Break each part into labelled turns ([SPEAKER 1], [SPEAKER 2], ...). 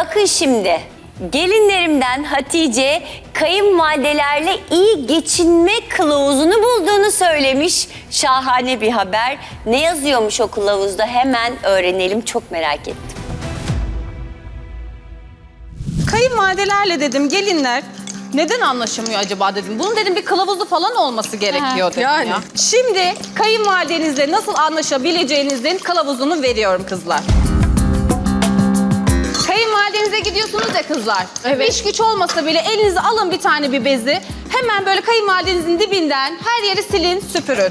[SPEAKER 1] Bakın şimdi, gelinlerimden Hatice kayınvalidelerle iyi geçinme kılavuzunu bulduğunu söylemiş. Şahane bir haber. Ne yazıyormuş o kılavuzda hemen öğrenelim, çok merak ettim.
[SPEAKER 2] Kayınvalidelerle dedim gelinler neden anlaşamıyor acaba dedim. Bunun dedim bir kılavuzu falan olması gerekiyor dedim
[SPEAKER 3] yani.
[SPEAKER 2] ya. Şimdi kayınvalidenizle nasıl anlaşabileceğinizin kılavuzunu veriyorum kızlar. Kayınvalidenize gidiyorsunuz ya kızlar.
[SPEAKER 3] Evet.
[SPEAKER 2] İş güç olmasa bile elinize alın bir tane bir bezi. Hemen böyle kayınvalidenizin dibinden her yeri silin, süpürün.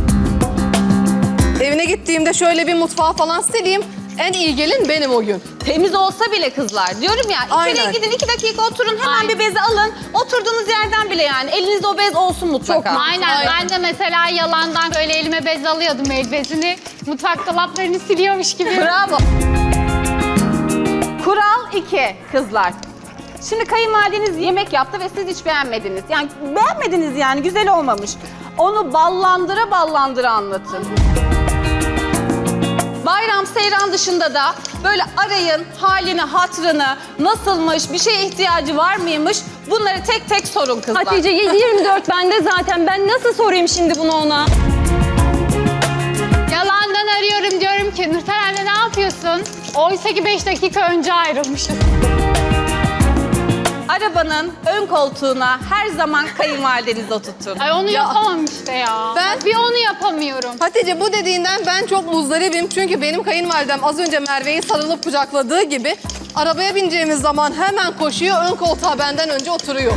[SPEAKER 3] Evine gittiğimde şöyle bir mutfağı falan sileyim. En iyi gelin benim o gün.
[SPEAKER 2] Temiz olsa bile kızlar. Diyorum ya içeriye
[SPEAKER 3] Aynen.
[SPEAKER 2] gidin 2 dakika oturun hemen bir bezi alın. Oturduğunuz yerden bile yani elinizde o bez olsun mutlaka.
[SPEAKER 4] Aynen. Ben de mesela yalandan böyle elime bez alıyordum, el bezini. Mutfak dolaplarını siliyormuş gibi.
[SPEAKER 2] Bravo. Kural 2 kızlar. Şimdi kayınvalideniz yemek yaptı ve siz hiç beğenmediniz. Yani beğenmediniz yani güzel olmamış. Onu ballandıra ballandıra anlatın. Bayram, seyran dışında da böyle arayın halini, hatrını, nasılmış, bir şeye ihtiyacı var mıymış bunları tek tek sorun kızlar.
[SPEAKER 5] Hatice 7/24 bende zaten. Ben nasıl sorayım şimdi bunu ona?
[SPEAKER 4] Yalandan arıyorum, diyorum ki Nurten anne ne yapıyorsun? Oysa ki 5 dakika önce ayrılmışız.
[SPEAKER 2] Arabanın ön koltuğuna her zaman kayınvalidenizi oturtun.
[SPEAKER 4] Ay onu yapamam işte ya. Bir onu yapamıyorum.
[SPEAKER 3] Hatice bu dediğinden ben çok muzdaribim. Çünkü benim kayınvalidem az önce Merve'yi sarılıp kucakladığı gibi arabaya bineceğimiz zaman hemen koşuyor, ön koltuğa benden önce oturuyor.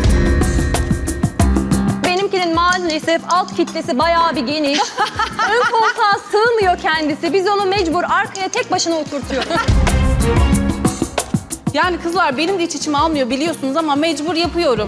[SPEAKER 5] Benimkinin maalesef alt kitlesi bayağı bir geniş. Ön koltuğa sığmıyor kendisi. Biz onu mecbur arkaya tek başına oturtuyoruz.
[SPEAKER 2] Yani kızlar benim de hiç içime almıyor biliyorsunuz ama mecbur yapıyorum.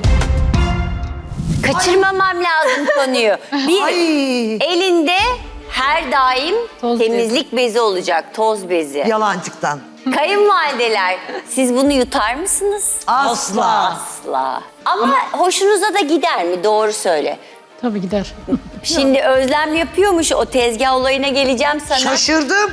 [SPEAKER 1] Kaçırmamam lazım konuyu. Bir, elinde her daim temizlik bezi olacak, toz bezi.
[SPEAKER 6] Yalancıktan.
[SPEAKER 1] Kayınvalideler, siz bunu yutar mısınız?
[SPEAKER 6] Asla.
[SPEAKER 1] Asla. Ama hoşunuza da gider mi? Doğru söyle.
[SPEAKER 4] Tabii gider.
[SPEAKER 1] Şimdi Özlem yapıyormuş, o tezgah olayına geleceğim sana.
[SPEAKER 6] Şaşırdım.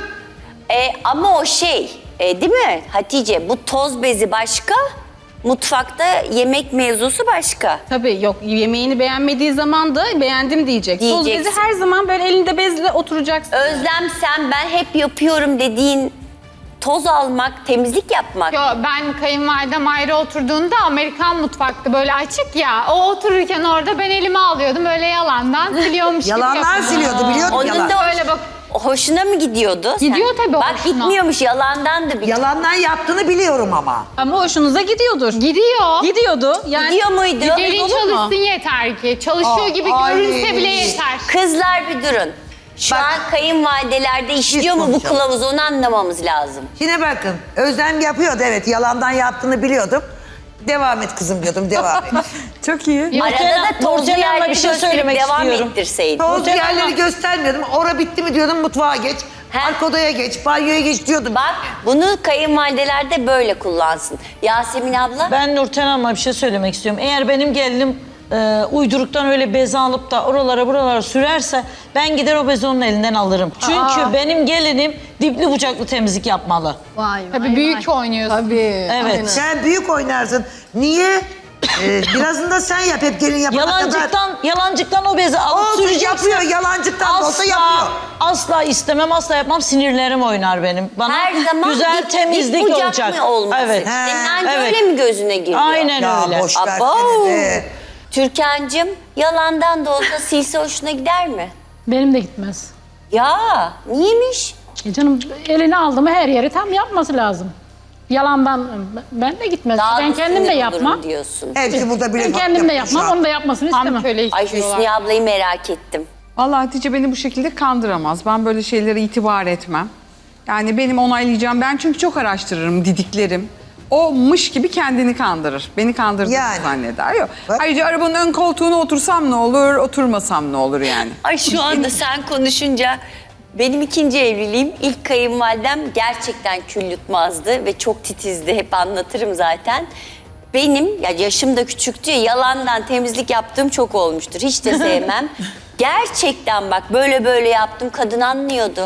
[SPEAKER 1] Ama o değil mi Hatice? Bu toz bezi başka, mutfakta yemek mevzusu başka.
[SPEAKER 2] Tabii yok yemeğini beğenmediği zaman da beğendim diyecek. Toz
[SPEAKER 1] Diyeceksin.
[SPEAKER 2] bezi her zaman böyle elinde bezle oturacaksın.
[SPEAKER 1] Özlem, sen ben hep yapıyorum dediğin toz almak, temizlik yapmak.
[SPEAKER 4] Yo, ben kayınvalidem ayrı oturduğunda Amerikan mutfaktı böyle açık ya. O otururken orada ben elime alıyordum böyle yalandan siliyormuş gibi
[SPEAKER 6] Yalanlar
[SPEAKER 4] yapıyordum.
[SPEAKER 6] siliyordu biliyordum
[SPEAKER 1] Onun
[SPEAKER 6] yalan.
[SPEAKER 1] da
[SPEAKER 4] Öyle bak.
[SPEAKER 1] hoşuna mı gidiyordu?
[SPEAKER 4] Gidiyor tabii
[SPEAKER 1] Bak
[SPEAKER 4] hoşuna.
[SPEAKER 1] gitmiyormuş, yalandan da bir.
[SPEAKER 6] Yalandan yaptığını biliyorum ama.
[SPEAKER 2] Ama hoşunuza gidiyordur.
[SPEAKER 4] Gidiyor.
[SPEAKER 2] Gidiyordu. Yani
[SPEAKER 1] Gidiyor muydu?
[SPEAKER 4] Gelin
[SPEAKER 2] olur mu?
[SPEAKER 4] çalışsın yeter ki. Çalışıyor gibi
[SPEAKER 6] ay.
[SPEAKER 4] görünse bile yeter.
[SPEAKER 1] Kızlar bir durun. Şu
[SPEAKER 6] Bak.
[SPEAKER 1] an kayınvalidelerde işliyor mu bu
[SPEAKER 6] konuşalım.
[SPEAKER 1] kılavuz, onu anlamamız lazım.
[SPEAKER 6] Yine bakın Özlem yapıyordu, evet, yalandan yaptığını biliyordum. Devam et kızım diyordum, devam et.
[SPEAKER 7] Çok iyi.
[SPEAKER 1] Arada da tozlu
[SPEAKER 7] Nurten Hanım'a
[SPEAKER 1] yerleri
[SPEAKER 7] bir şey
[SPEAKER 1] gösterip
[SPEAKER 7] söylemek
[SPEAKER 1] devam
[SPEAKER 7] istiyorum.
[SPEAKER 1] ettirseydin.
[SPEAKER 6] Toz yerleri göstermiyordum. Ora bitti mi diyordum, mutfağa geç. Arka odaya geç, banyoya geç diyordum.
[SPEAKER 1] Bak bunu kayınvalideler de böyle kullansın. Yasemin abla?
[SPEAKER 7] Ben Nurten Hanım'a bir şey söylemek istiyorum. Eğer benim gelinim uyduruktan öyle bezi alıp da oralara buralara sürerse ben gider o bezi onun elinden alırım. Çünkü benim gelinim dipli bucaklı temizlik yapmalı.
[SPEAKER 4] Tabii büyük oynuyorsun.
[SPEAKER 3] Tabii.
[SPEAKER 7] Evet.
[SPEAKER 6] Sen büyük oynarsın. Niye? Birazını da sen yap, hep gelin yapana kadar.
[SPEAKER 7] Yalancıktan o bezi alıp
[SPEAKER 6] Olsun,
[SPEAKER 7] süreceksin.
[SPEAKER 6] yapıyor, yalancıktan da olsa yapıyor.
[SPEAKER 7] Asla istemem, asla yapmam. Sinirlerim oynar benim. Bana
[SPEAKER 1] Her zaman
[SPEAKER 7] güzel
[SPEAKER 1] dik
[SPEAKER 7] temizlik
[SPEAKER 1] bucak
[SPEAKER 7] olacak.
[SPEAKER 1] mı olması?
[SPEAKER 7] Evet.
[SPEAKER 1] Senin anca
[SPEAKER 7] Evet.
[SPEAKER 1] öyle mi gözüne giriyor?
[SPEAKER 7] Aynen
[SPEAKER 6] Ya
[SPEAKER 7] öyle.
[SPEAKER 6] boş
[SPEAKER 1] Abo.
[SPEAKER 6] versene be.
[SPEAKER 1] Türkan'cığım yalandan da olsa silse hoşuna gider mi?
[SPEAKER 8] Benim de gitmez.
[SPEAKER 1] Ya niyeymiş?
[SPEAKER 8] Canım elini aldı mı her yeri tam yapması lazım. Yalandan ben de gitmez.
[SPEAKER 1] Daha
[SPEAKER 8] Ben
[SPEAKER 1] da
[SPEAKER 8] kendim de
[SPEAKER 1] sinir
[SPEAKER 8] yapmam.
[SPEAKER 1] olurum diyorsun.
[SPEAKER 6] Hepsi burada bile
[SPEAKER 8] Ben kendim de
[SPEAKER 6] yapıyor şu
[SPEAKER 8] yapmam,
[SPEAKER 6] an.
[SPEAKER 8] onu da yapmasını
[SPEAKER 4] Tam
[SPEAKER 8] istemem.
[SPEAKER 4] köle
[SPEAKER 1] Ay
[SPEAKER 4] istiyorlar.
[SPEAKER 1] Hüsniye ablayı merak ettim.
[SPEAKER 9] Vallahi Hatice beni bu şekilde kandıramaz. Ben böyle şeylere itibar etmem. Yani benim onaylayacağım. Ben çünkü çok araştırırım, didiklerim. O mış gibi kendini kandırır. Beni kandırdığını
[SPEAKER 6] Yani.
[SPEAKER 9] zanneder. Yok.
[SPEAKER 6] Bak.
[SPEAKER 9] Ayrıca arabanın ön koltuğuna otursam ne olur, oturmasam ne olur yani.
[SPEAKER 1] Ay şu anda sen konuşunca benim ikinci evliliğim, ilk kayınvalidem gerçekten kül yutmazdı ve çok titizdi. Hep anlatırım zaten. Benim ya yaşım da küçüktü ya, yalandan temizlik yaptığım çok olmuştur. Hiç de sevmem. Gerçekten bak böyle böyle yaptım, kadın anlıyordu.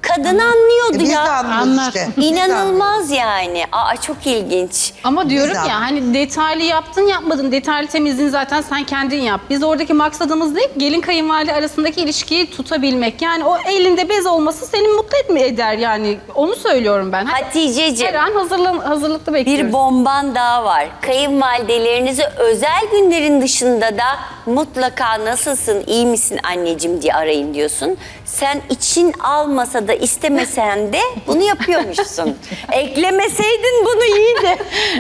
[SPEAKER 1] Kadın anlıyordu
[SPEAKER 6] Biz de
[SPEAKER 1] ya.
[SPEAKER 6] anlıyoruz işte. Biz de
[SPEAKER 1] İnanılmaz yani. Aa çok ilginç.
[SPEAKER 2] Ama diyorum
[SPEAKER 6] Güzel.
[SPEAKER 2] ya hani detaylı yaptın yapmadın. Detaylı temizliğini zaten sen kendin yap. Biz oradaki maksadımız ne? Gelin kayınvalide arasındaki ilişkiyi tutabilmek. Yani o elinde bez olması seni mutlu eder yani. Onu söylüyorum ben.
[SPEAKER 1] Haticeciğim.
[SPEAKER 2] Her an hazırlıklı bekliyoruz.
[SPEAKER 1] Bir bomban daha var. Kayınvalidelerinizi özel günlerin dışında da mutlaka nasılsın, iyi misin anneciğim diye arayın diyorsun. Sen için almasa da istemesen de bunu yapıyormuşsun. Eklemeseydin bunu iyiydi.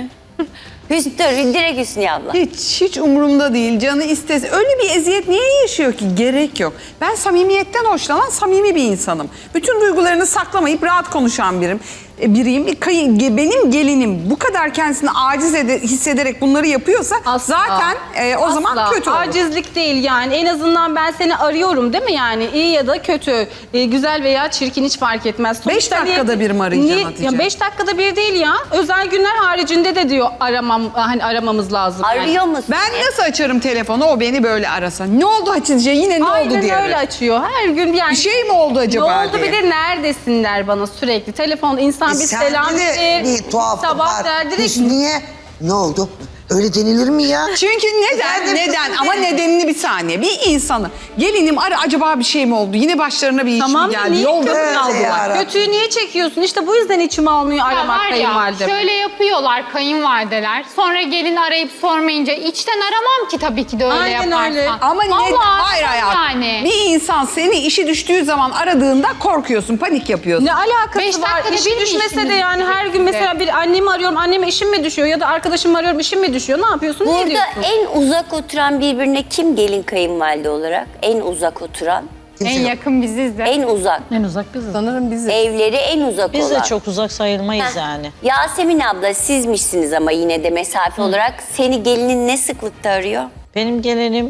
[SPEAKER 1] Direkt Hüsniye abla.
[SPEAKER 9] Hiç umurumda değil. Canı istese. Öyle bir eziyet niye yaşıyor ki? Gerek yok. Ben samimiyetten hoşlanan samimi bir insanım. Bütün duygularını saklamayıp rahat konuşan biriyim. Benim gelinim bu kadar kendisini aciz hissederek bunları yapıyorsa zaten o zaman kötü olur.
[SPEAKER 2] Acizlik değil yani. En azından ben seni arıyorum değil mi yani? İyi ya da kötü, güzel veya çirkin hiç fark etmez.
[SPEAKER 9] 5 dakikada bir mi arayacaksın Hatice?
[SPEAKER 2] Ya 5 dakikada bir değil ya. Özel günler haricinde de diyor aramamız lazım. yani.
[SPEAKER 1] Arıyor musun?
[SPEAKER 9] Ben nasıl açarım telefonu o beni böyle arasa? Ne oldu Hatice? Yine ne oldu
[SPEAKER 2] Aynen
[SPEAKER 9] diye.
[SPEAKER 2] öyle açıyor. Her gün yani.
[SPEAKER 9] Bir şey mi oldu acaba
[SPEAKER 2] Ne oldu
[SPEAKER 9] diye.
[SPEAKER 2] bir de neredesinler bana sürekli. Telefon insan bir
[SPEAKER 6] Sende
[SPEAKER 2] selam
[SPEAKER 6] de
[SPEAKER 2] verir.
[SPEAKER 6] bir tuhaflık
[SPEAKER 2] Sabah
[SPEAKER 6] var.
[SPEAKER 2] der direkt.
[SPEAKER 6] Niye? Ne oldu? Öyle denilir mi ya?
[SPEAKER 9] Çünkü neden? Ama nedenini bir saniye. Bir insanı gelinim acaba bir şey mi oldu? Yine başlarına bir iş
[SPEAKER 2] Tamam
[SPEAKER 9] mi
[SPEAKER 2] da
[SPEAKER 9] geldi?
[SPEAKER 2] niye
[SPEAKER 9] Yolda
[SPEAKER 2] kötü
[SPEAKER 6] öyle
[SPEAKER 2] aldılar?
[SPEAKER 6] yarabbim.
[SPEAKER 2] Kötüyü niye çekiyorsun? İşte bu yüzden içim almıyor
[SPEAKER 4] Ya
[SPEAKER 2] aramak
[SPEAKER 4] var ya
[SPEAKER 2] kayınvalidem.
[SPEAKER 4] şöyle yapıyorlar kayınvalideler. Sonra gelin arayıp sormayınca içten aramam ki tabii ki de öyle
[SPEAKER 2] Aynen
[SPEAKER 4] yaparsan.
[SPEAKER 2] öyle.
[SPEAKER 9] Ama
[SPEAKER 4] Vallahi
[SPEAKER 9] hayır hayat.
[SPEAKER 4] yani.
[SPEAKER 9] Bir insan seni işi düştüğü zaman aradığında korkuyorsun, panik yapıyorsun.
[SPEAKER 2] Ne alakası
[SPEAKER 4] 5
[SPEAKER 2] var?
[SPEAKER 4] dakikada
[SPEAKER 2] İşi
[SPEAKER 4] bir mi
[SPEAKER 2] düşmese
[SPEAKER 4] işimiz
[SPEAKER 2] de yani her gün
[SPEAKER 4] bitti?
[SPEAKER 2] mesela bir annemi arıyorum, anneme işim mi düşüyor ya da arkadaşımı arıyorum, işim mi düşüyor? Ne yapıyorsun? Ne
[SPEAKER 1] Burada
[SPEAKER 2] diyorsun?
[SPEAKER 1] en uzak oturan birbirine kim gelin kayınvalide olarak? En uzak oturan?
[SPEAKER 4] En yakın biziz de.
[SPEAKER 1] En uzak.
[SPEAKER 8] En uzak biziz.
[SPEAKER 3] Sanırım bizi.
[SPEAKER 1] Evleri en uzak
[SPEAKER 7] Biz
[SPEAKER 1] olan.
[SPEAKER 7] de çok uzak sayılmayız
[SPEAKER 1] Heh.
[SPEAKER 7] yani.
[SPEAKER 1] Yasemin abla sizmişsiniz ama yine de mesafe olarak. Seni gelinin ne sıklıkta arıyor?
[SPEAKER 7] Benim gelinim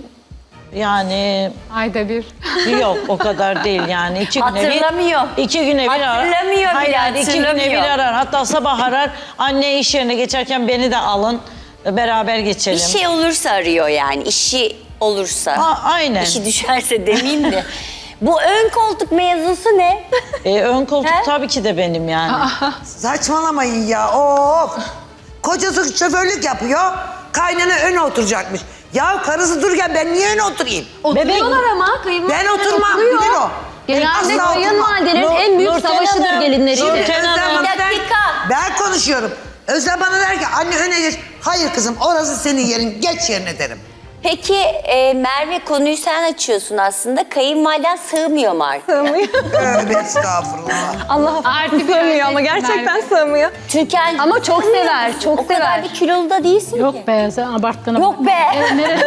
[SPEAKER 7] yani
[SPEAKER 4] Ayda bir.
[SPEAKER 7] yok o kadar değil yani. 2 güne bir.
[SPEAKER 1] Hatırlamıyor.
[SPEAKER 7] 2 güne bir arar.
[SPEAKER 1] Hatırlamıyor
[SPEAKER 7] Hayır,
[SPEAKER 1] bile,
[SPEAKER 7] hayır, 2 güne bir
[SPEAKER 1] hatırlamıyor.
[SPEAKER 7] arar. Hatta sabah arar. Anne iş yerine geçerken beni de alın. Beraber geçelim.
[SPEAKER 1] Bir şey olursa arıyor yani. İşi olursa.
[SPEAKER 7] Aynen.
[SPEAKER 1] İşi düşerse demeyeyim de. Bu ön koltuk mevzusu ne?
[SPEAKER 7] Ön koltuk
[SPEAKER 1] He?
[SPEAKER 7] tabii ki de benim yani.
[SPEAKER 6] Saçmalamayın ya. Of. Kocası şoförlük yapıyor. Kaynana öne oturacakmış. Ya karısı dururken ben niye öne oturayım?
[SPEAKER 5] Oturuyorlar ama kayınvalideler
[SPEAKER 6] Ben oturmam.
[SPEAKER 5] oturuyor.
[SPEAKER 6] Bilir o.
[SPEAKER 5] Genelde
[SPEAKER 6] Asla oturmam.
[SPEAKER 5] kayınvalidelerin en büyük
[SPEAKER 7] Nurten
[SPEAKER 5] savaşıdır
[SPEAKER 7] Hanım,
[SPEAKER 5] gelinleriyle.
[SPEAKER 7] Nurten
[SPEAKER 6] Özlem
[SPEAKER 7] Hanım.
[SPEAKER 6] bana
[SPEAKER 1] Bir
[SPEAKER 6] der-
[SPEAKER 1] dakika.
[SPEAKER 6] Ben konuşuyorum. Özlem bana der ki anne öne geç. Hayır kızım orası senin yerin. Geç yerine derim.
[SPEAKER 1] Peki Merve konuyu sen açıyorsun aslında. Kayınvaliden sığmıyor mu artık?
[SPEAKER 6] Tövbe estağfurullah.
[SPEAKER 5] Allah
[SPEAKER 4] Artı bir
[SPEAKER 5] sığmıyor ama
[SPEAKER 4] öylesin
[SPEAKER 5] gerçekten
[SPEAKER 4] Merve.
[SPEAKER 5] sığmıyor.
[SPEAKER 1] Türkan
[SPEAKER 5] Ama çok
[SPEAKER 1] sığmıyor
[SPEAKER 5] sever,
[SPEAKER 1] musun?
[SPEAKER 5] çok
[SPEAKER 1] O kadar
[SPEAKER 5] sever.
[SPEAKER 1] da kilolu da değilsin ki.
[SPEAKER 8] Yok be sen abarttın.
[SPEAKER 1] Yok be.
[SPEAKER 8] Neresi?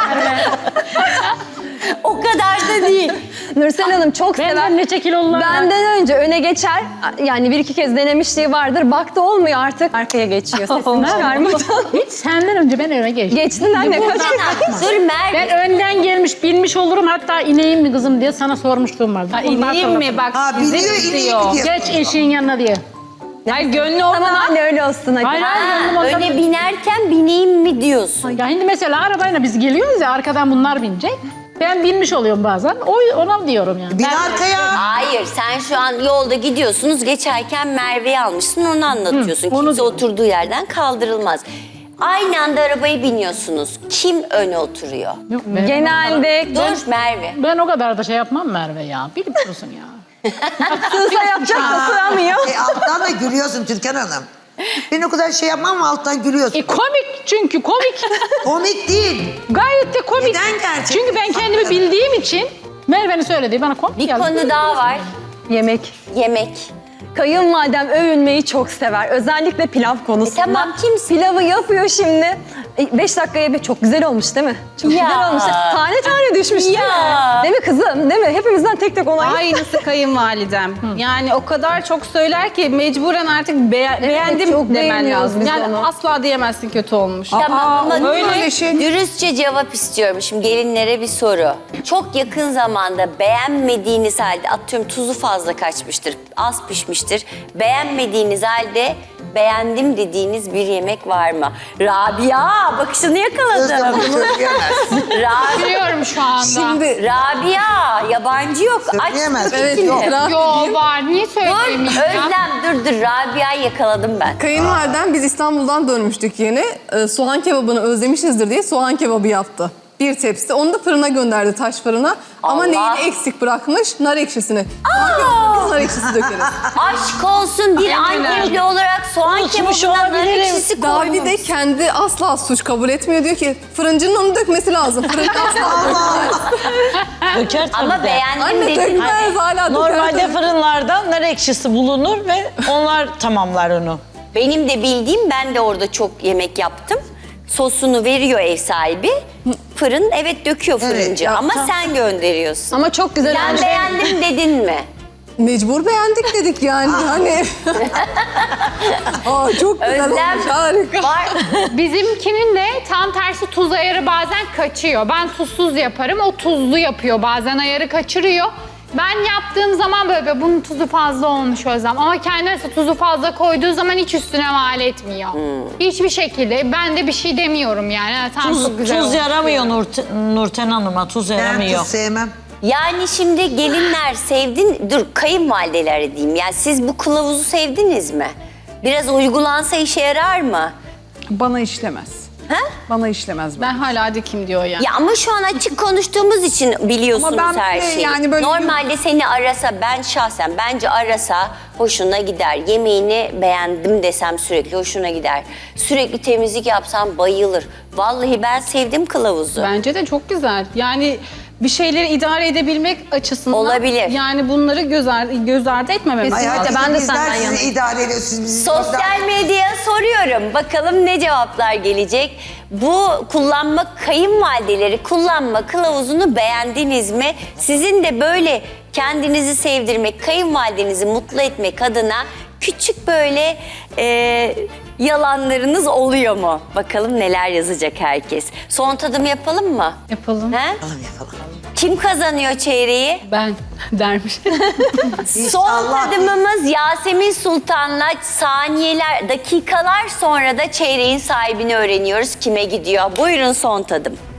[SPEAKER 1] O kadar da değil.
[SPEAKER 5] Nursel Hanım çok sever.
[SPEAKER 8] Benden ne kilolular var?
[SPEAKER 5] Benden önce öne geçer. Yani bir iki kez denemişliği vardır. Baktı olmuyor artık. Arkaya geçiyor. Sesini çıkarmadan.
[SPEAKER 8] Hiç senden önce ben öne geçtim.
[SPEAKER 5] Geçtin anne kaç
[SPEAKER 1] Dur Merve.
[SPEAKER 8] Ben önden gelmiş bilmiş olurum hatta ineyim mi kızım diye sana sormuşluğum vardı. Bunu
[SPEAKER 2] İneyim mi?
[SPEAKER 8] hatırlatın.
[SPEAKER 2] Bak
[SPEAKER 6] Ha
[SPEAKER 2] sizi
[SPEAKER 6] biliyor
[SPEAKER 2] istiyor.
[SPEAKER 6] ineyim
[SPEAKER 8] Geç eşiğin yanına diye.
[SPEAKER 2] Ay gönlü
[SPEAKER 5] Tamam
[SPEAKER 2] olmadan
[SPEAKER 5] anne öyle olsun hadi.
[SPEAKER 8] Hayır hayır.
[SPEAKER 1] Ha,
[SPEAKER 8] gönlüm ondan-
[SPEAKER 1] öyle binerken bineyim mi diyorsun?
[SPEAKER 8] Ya şimdi mesela arabayla biz geliyoruz ya arkadan bunlar binecek. Ben binmiş oluyorum bazen. Ona diyorum yani.
[SPEAKER 6] Bin
[SPEAKER 8] Ben-
[SPEAKER 6] arkaya.
[SPEAKER 1] Hayır sen şu an yolda gidiyorsunuz geçerken Merve'yi almışsın onu anlatıyorsun.
[SPEAKER 8] onu
[SPEAKER 1] Kimse
[SPEAKER 8] diyorum.
[SPEAKER 1] oturduğu yerden kaldırılmaz. Aynı anda arabaya biniyorsunuz. Kim öne oturuyor?
[SPEAKER 8] Yok be.
[SPEAKER 5] Genelde
[SPEAKER 1] Dur Merve.
[SPEAKER 8] Ben o kadar da şey yapmam Merve ya. Bilip dursun ya.
[SPEAKER 5] sığsa yapacak da sığamıyor.
[SPEAKER 6] Alttan da gülüyorsun Türkan Hanım. Ben o kadar şey yapmam ama alttan gülüyorsun.
[SPEAKER 8] Komik çünkü komik.
[SPEAKER 6] Komik değil.
[SPEAKER 8] Gayet de komik.
[SPEAKER 6] Neden gerçekten?
[SPEAKER 8] Çünkü ben kendimi bildiğim için Merve'nin söylediği bana komik
[SPEAKER 1] Bir
[SPEAKER 8] geldi.
[SPEAKER 1] konu daha var.
[SPEAKER 5] Yemek.
[SPEAKER 1] Yemek.
[SPEAKER 5] Kayınvalidem övünmeyi çok sever. Özellikle pilav konusunda.
[SPEAKER 1] tamam, kimsin?
[SPEAKER 5] Pilavı yapıyor şimdi. 5 dakikaya bir çok güzel olmuş değil mi? Çok
[SPEAKER 1] Ya.
[SPEAKER 5] güzel olmuş. Tane tane düşmüş değil mi?
[SPEAKER 1] Ya.
[SPEAKER 5] Değil mi kızım? Değil mi? Hepimizden tek tek onay.
[SPEAKER 2] aynısı kayınvalidem. Yani o kadar çok söyler ki mecburen artık beğendim
[SPEAKER 5] çok
[SPEAKER 2] demen
[SPEAKER 5] beğeniyoruz
[SPEAKER 2] lazım.
[SPEAKER 5] biz
[SPEAKER 2] Yani
[SPEAKER 5] onu.
[SPEAKER 2] asla diyemezsin kötü olmuş.
[SPEAKER 1] Tamam ama
[SPEAKER 9] öyle şey.
[SPEAKER 1] dürüstçe cevap istiyorum. Şimdi gelinlere bir soru. Çok yakın zamanda beğenmediğiniz halde atıyorum tuzu fazla kaçmıştır, az pişmiştir. Beğenmediğiniz halde beğendim dediğiniz bir yemek var mı? Rabia, bakışını
[SPEAKER 6] Özlem
[SPEAKER 1] yakaladım.
[SPEAKER 6] bunu söyleyemez.
[SPEAKER 4] Biliyorum şu anda.
[SPEAKER 3] Şimdi
[SPEAKER 1] Rabia, yabancı yok. Aç
[SPEAKER 6] Söyleyemez.
[SPEAKER 3] evet
[SPEAKER 1] fikrini.
[SPEAKER 3] itiraf
[SPEAKER 4] Yo
[SPEAKER 3] edeyim.
[SPEAKER 4] var. Niye
[SPEAKER 1] Dur
[SPEAKER 4] söyleyemeyeceğim?
[SPEAKER 1] Özlem dur. Rabia'yı yakaladım ben.
[SPEAKER 3] Kayınvalidem biz İstanbul'dan dönmüştük yeni. Soğan kebabını özlemişizdir diye soğan kebabı yaptı. Bir tepsi. Onu da fırına gönderdi, taş fırına. Ama
[SPEAKER 1] Allah.
[SPEAKER 3] neyini eksik bırakmış? Nar ekşisini. Soğan kebabına biz nar ekşisi dökeriz.
[SPEAKER 1] Aşk olsun bir Antepli olarak soğan
[SPEAKER 7] Unutmuş
[SPEAKER 1] kebabına nar
[SPEAKER 7] olabilirim.
[SPEAKER 1] ekşisi
[SPEAKER 3] Davide de
[SPEAKER 1] koymuş.
[SPEAKER 3] kendi asla suç kabul etmiyor. Diyor ki fırıncının onu dökmesi lazım. Fırıncı asla dökmez.
[SPEAKER 7] Döker tabii
[SPEAKER 1] Ama
[SPEAKER 7] de.
[SPEAKER 1] beğendim
[SPEAKER 3] Anne
[SPEAKER 1] dedin.
[SPEAKER 3] dökmez hala döker.
[SPEAKER 7] Normalde fırınlardan nar ekşisi bulunur ve onlar tamamlar onu.
[SPEAKER 1] Benim de bildiğim, ben de orada çok yemek yaptım. Sosunu veriyor ev sahibi. Fırın evet döküyor fırıncı
[SPEAKER 6] ya,
[SPEAKER 1] ama sen gönderiyorsun.
[SPEAKER 5] Ama çok güzel
[SPEAKER 1] Ben
[SPEAKER 5] olmuş.
[SPEAKER 1] beğendim dedin mi?
[SPEAKER 3] Mecbur beğendik dedik yani. Hani. Aa, çok güzel
[SPEAKER 1] Özlem
[SPEAKER 3] olmuş, harika.
[SPEAKER 1] var.
[SPEAKER 4] Bizimkinin de tam tersi tuz ayarı bazen kaçıyor. Ben tuzsuz yaparım, o tuzlu yapıyor. Bazen ayarı kaçırıyor. Ben yaptığım zaman böyle bunun tuzu fazla olmuş Özlem. Ama kendisi tuzu fazla koyduğu zaman hiç üstüne mal etmiyor. Hiçbir şekilde. Ben de bir şey demiyorum yani. Ha, tam çok güzel
[SPEAKER 7] Tuz
[SPEAKER 4] olmuş
[SPEAKER 7] yaramıyor Nurten Hanım'a, tuz
[SPEAKER 6] Ben
[SPEAKER 7] yaramıyor.
[SPEAKER 6] tuz sevmem.
[SPEAKER 1] Yani şimdi gelinler sevdin, dur kayınvalideler diyeyim. Yani siz bu kılavuzu sevdiniz mi? Biraz uygulansa işe yarar mı?
[SPEAKER 9] Bana işlemez.
[SPEAKER 1] Ha?
[SPEAKER 9] Bana işlemez.
[SPEAKER 2] Ben hala dikim diyor yani.
[SPEAKER 1] Ya ama şu an açık konuştuğumuz için biliyorsunuz
[SPEAKER 9] Ama ben
[SPEAKER 1] her
[SPEAKER 9] bir de
[SPEAKER 1] şeyi.
[SPEAKER 9] yani böyle-
[SPEAKER 1] Normalde seni arasa, ben şahsen bence arasa hoşuna gider. Yemeğini beğendim desem sürekli hoşuna gider. Sürekli temizlik yapsam bayılır. Vallahi ben sevdim kılavuzu.
[SPEAKER 2] Bence de çok güzel. Yani bir şeyleri idare edebilmek açısından.
[SPEAKER 1] Olabilir.
[SPEAKER 2] Yani bunları göz ardı etmememiz
[SPEAKER 6] Ay,
[SPEAKER 2] lazım.
[SPEAKER 6] hadi
[SPEAKER 5] ben de
[SPEAKER 6] bizler
[SPEAKER 5] senden
[SPEAKER 6] sizi
[SPEAKER 5] yanayım.
[SPEAKER 6] idare ediyorsunuz. Bizi
[SPEAKER 1] Sosyal medyaya soruyorum. Bakalım ne cevaplar gelecek? Bu kayınvalideleri kullanma kılavuzunu beğendiniz mi? Sizin de böyle kendinizi sevdirmek, kayınvalidenizi mutlu etmek adına küçük böyle yalanlarınız oluyor mu? Bakalım neler yazacak herkes. Son tadım yapalım mı?
[SPEAKER 2] Yapalım.
[SPEAKER 1] He?
[SPEAKER 6] Yapalım.
[SPEAKER 1] Kim kazanıyor çeyreği?
[SPEAKER 2] Ben dermiş.
[SPEAKER 1] Son
[SPEAKER 6] İnşallah.
[SPEAKER 1] tadımımız Yasemin Sultan'la dakikalar sonra da çeyreğin sahibini öğreniyoruz. Kime gidiyor? Buyurun son tadım.